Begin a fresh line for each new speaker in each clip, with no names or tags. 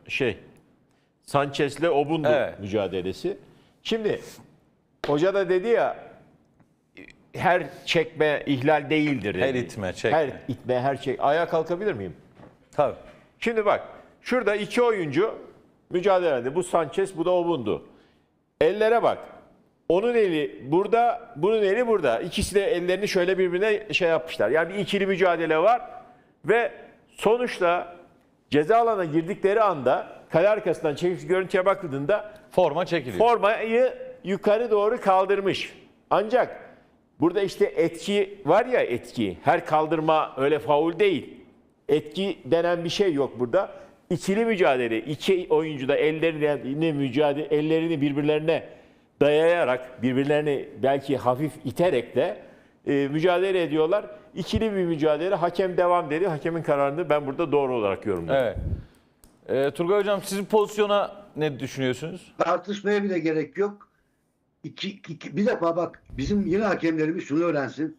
Sanchez'le Obundu mücadelesi. Şimdi hoca da dedi ya, her çekme ihlal değildir dedi.
Her itme, çekme.
Her itme, her çek. Ayağa kalkabilir miyim?
Tabii.
Şimdi bak, şurada iki oyuncu mücadele ediyor. Bu Sanchez, bu da Obundu. Ellere bak. Onun eli burada, bunun eli burada. İkisi de ellerini şöyle birbirine şey yapmışlar. Yani bir ikili mücadele var ve sonuçta ceza alanına girdikleri anda kale arkasından çekilmiş görüntüye bakıldığında
Forma çekiliyor.
formayı yukarı doğru kaldırmış. Ancak burada işte etki var ya, etki. Her kaldırma öyle faul değil. Etki denen bir şey yok burada. İkili mücadele, iki oyuncu da ellerini birbirlerine dayayarak, birbirlerini belki hafif iterek de mücadele ediyorlar. İkili bir mücadele. Hakem devam dedi. Hakemin kararını ben burada doğru olarak yorumluyorum.
Evet. Turgay Hocam, sizin pozisyona ne düşünüyorsunuz?
Tartışmaya bile gerek yok. Bir defa bak, bizim yine hakemlerimiz şunu öğrensin.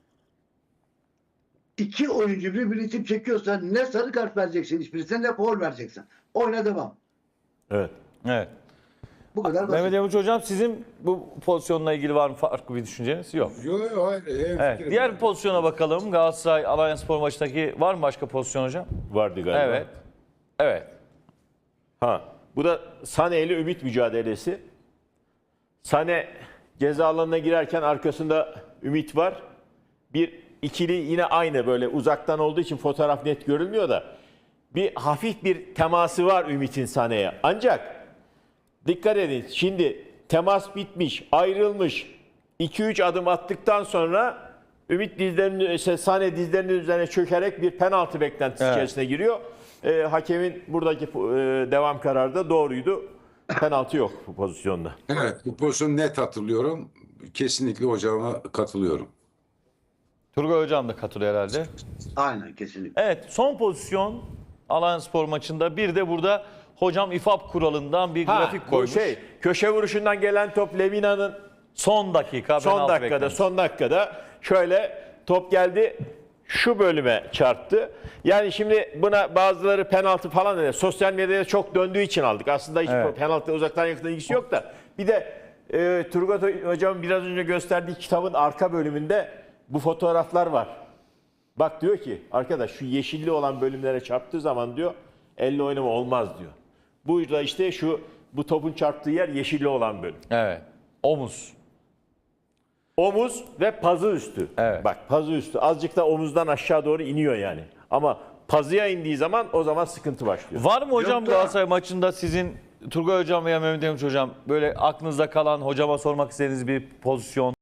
İki oyuncu birbirini itip çekiyorsa ne sarı kart vereceksin hiçbirisine, ne faul vereceksin. Oyna devam.
Evet.
Evet.
Bu kadar basit.
Mehmet Yavuç Hocam, sizin bu pozisyonla ilgili var mı farklı bir düşünceniz? Yok.
Yok, hayır.
Evet. Diğer bir pozisyona bakalım. Galatasaray Alanyaspor maçındaki var mı başka pozisyon hocam?
Vardı galiba.
Evet. Evet.
Bu da Sané ile Ümit mücadelesi. Sané ceza alanına girerken arkasında Ümit var. Bir ikili yine aynı, böyle uzaktan olduğu için fotoğraf net görülmüyor da bir hafif bir teması var Ümit'in Sané'ye. Ancak dikkat edin, şimdi temas bitmiş, ayrılmış. 2-3 adım attıktan sonra Ümit Sané dizlerinin üzerine çökerek bir penaltı beklentisi içerisine giriyor. Hakemin buradaki devam kararı da doğruydu. Penaltı yok bu pozisyonda.
Evet, bu pozisyonu net hatırlıyorum. Kesinlikle hocama katılıyorum.
Turgay Hocam da katılıyor herhalde.
Aynen, kesinlikle.
Evet, son pozisyon Alanyaspor maçında. Bir de burada hocam İFAB kuralından bir grafik
Bu
koymuş.
köşe vuruşundan gelen top Lemina'nın
Son dakika.
son dakikada şöyle top geldi, şu bölüme çarptı. Yani şimdi buna bazıları penaltı falan dedi. Sosyal medyada çok döndüğü için aldık. Aslında hiç penaltı uzaktan yakından ilgisi yok da. Bir de Turgut Hocam biraz önce gösterdiği kitabın arka bölümünde bu fotoğraflar var. Bak diyor ki arkadaş, şu yeşilli olan bölümlere çarptığı zaman diyor elle oynama olmaz diyor. Bu da işte bu topun çarptığı yer yeşilli olan bölüm.
Evet. Omuz.
Omuz ve pazı üstü.
Evet.
Bak, pazı üstü. Azıcık da omuzdan aşağı doğru iniyor yani. Ama pazıya indiği zaman o zaman sıkıntı başlıyor.
Var mı hocam
Yok da-
Galatasaray maçında sizin Turgay Hocam veya Mehmet Yavuç Hocam böyle aklınızda kalan, hocama sormak istediğiniz bir pozisyon?